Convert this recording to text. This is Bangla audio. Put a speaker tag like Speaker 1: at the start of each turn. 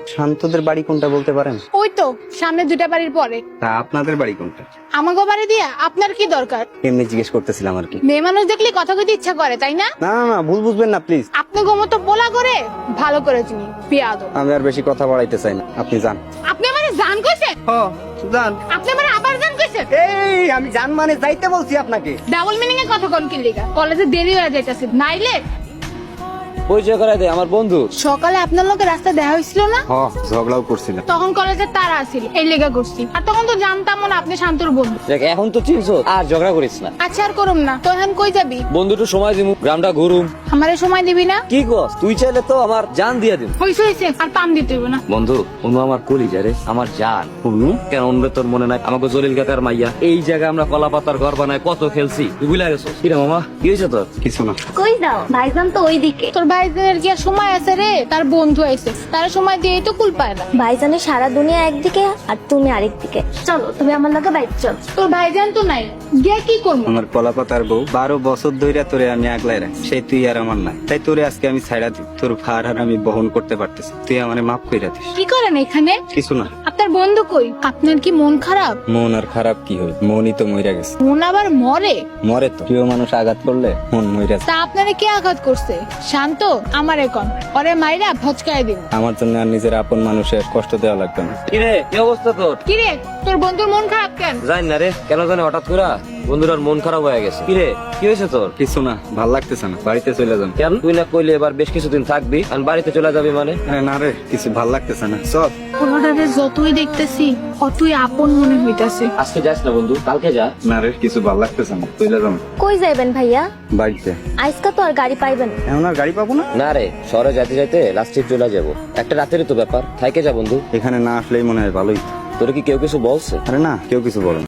Speaker 1: শান্তদের বাড়ি কোনটা বলতে পারেন?
Speaker 2: ওই তো সামনে দুটা বাড়ির পরে।
Speaker 1: তা আপনাদের বাড়ি কোনটা?
Speaker 2: আমাকে বাড়ি দিয়া আপনার কি দরকার?
Speaker 1: এমনি জিজ্ঞেস করতেছিলাম আর কি।
Speaker 2: মেয়ে মানুষ দেখলে কথা কইতে ইচ্ছা করে তাই না?
Speaker 1: না না না, ভুল বুঝবেন না প্লিজ।
Speaker 2: আপনি গোমতো পোলা করে ভালো করে চিনি পেয়াদব।
Speaker 1: আমি আর বেশি কথা বাড়াইতে চাই না, আপনি যান।
Speaker 2: আপনি আমারে জান কইছেন?
Speaker 1: যান।
Speaker 2: আপনি আমারে আবার জান কইছেন?
Speaker 1: এই আমি জান মানে যাইতে বলছি আপনাকে।
Speaker 2: ডাবল মিনিং এ কথা কোন কি লিগা? কলেজে দেরি হয়ে যাইতাছে নাইলে
Speaker 3: পরিচয় করাই দে, আমার বন্ধু।
Speaker 2: সকালে আপনার লোকে রাস্তা দেখা হয়েছিল না?
Speaker 1: ঝগড়াও করছিলাম।
Speaker 2: তখন কলেজের তারা আছিল এই লেগা করছি। আর তখন তো জানতাম না আপনি শান্তর বন্ধু।
Speaker 3: দেখ এখন তো চিনছো, আর ঝগড়া করিস না।
Speaker 2: আচ্ছা আর করুম না। তো এখন কই যাবি?
Speaker 3: বন্ধুটু সময় দিমু, গ্রামটা ঘুরুম।
Speaker 2: আমারে সময় দিবি না?
Speaker 3: কি কস? তুই চাইলে তো আমার জান দিয়া দিম।
Speaker 2: হইছে হইছে আর পাম দিতে হইব না।
Speaker 3: বন্ধু অনু আমার কলিজা রে, আমার জান। অনু কেন অনুরে তোর মনে নাই? আমাকে জলিল কাকার মাইয়া এই জায়গায় আমরা কলা পাতার ঘর বানায় কত খেলছি, তুই ভুলে গেছো? কি রে মামা, কি হয়েছে তোর?
Speaker 1: কিছু না।
Speaker 4: কই যাও? ভাইজান তো ওইদিকে।
Speaker 2: তোর ভাইজানের কি আর সময় আছে রে? তার বন্ধু আইছে, তার সময় দিয়েই তো কুল পায় না।
Speaker 4: ভাইজানের সারা দুনিয়া একদিকে আর তুমি আরেকদিকে। চলো তুমি আমার লগে বাইক চল।
Speaker 2: তোর ভাইজান তো নাই, গিয়া কি করবো?
Speaker 1: আমার কলাপাতার বউ 12 বছর ধইরা তোরে আমি আগলাই রাখি, সেই তুই আর আমার নাই। তাই তোরে আজকে আমি ছাইড়া দিই। তোর ভার আর আমি বহন করতে পারতেছি, তুই আমারে মাফ কইরা দিস।
Speaker 2: কি করেন এখানে?
Speaker 1: কিছু না।
Speaker 2: আপনার বন্ধু কই? আপনার কি মন খারাপ?
Speaker 1: মন আর খারাপ কি হয়, মনই তো মইরা গেছে।
Speaker 2: মন আবার মরে?
Speaker 1: মরে তো, প্রিয় মানুষ আঘাত করলে মন মইরা যায়।
Speaker 2: তা আপনারে কে আঘাত করছে? শান্ত আমার এখন ওরে মাইরা ভচকায় দিন।
Speaker 1: আমার জন্য আর নিজের আপন মানুষের কষ্ট দেওয়া লাগবে না।
Speaker 3: কি রে, কি অবস্থা তোর?
Speaker 2: কি রে তোর বন্ধুর মন খারাপ কেন?
Speaker 3: জানি না রে, কেন জানি হঠাৎ করে বন্ধুরার মন খারাপ হয়ে গেছে। কি রে, কি হয়েছে তোর?
Speaker 1: কিছু না, ভাল লাগতেছে না, বাড়িতে চলে যান।
Speaker 3: কেন? তুই না কইলে এবার বেশ কিছুদিন থাকবি আর বাড়িতে চলে যাবি মানে?
Speaker 1: আরে না রে, কিছু ভাল লাগতেছে না, চল।
Speaker 2: ওনারে যতই দেখতেছি অতই আপন মনে হইতাছে।
Speaker 3: আজকে যাস না বন্ধু, কালকে যা।
Speaker 1: না রে, কিছু ভাল লাগতেছে না, চলে যান।
Speaker 4: কই যাইবেন ভাইয়া?
Speaker 1: বাড়িতে।
Speaker 4: আজকা তো আর গাড়ি পাইবেন না।
Speaker 1: এখন আর গাড়ি পাবো না।
Speaker 3: না রে, শহরে যাইতে যাইতে লাস্ট ট্রিপ চলে যাবো। একটা রাতেরই তো ব্যাপার, থাইকে যা বন্ধু।
Speaker 1: এখানে না আসলেই মনে হয় ভালোই।
Speaker 3: তোর কি কেউ কিছু বলছে?
Speaker 1: আরে না, কেউ কিছু বলে না।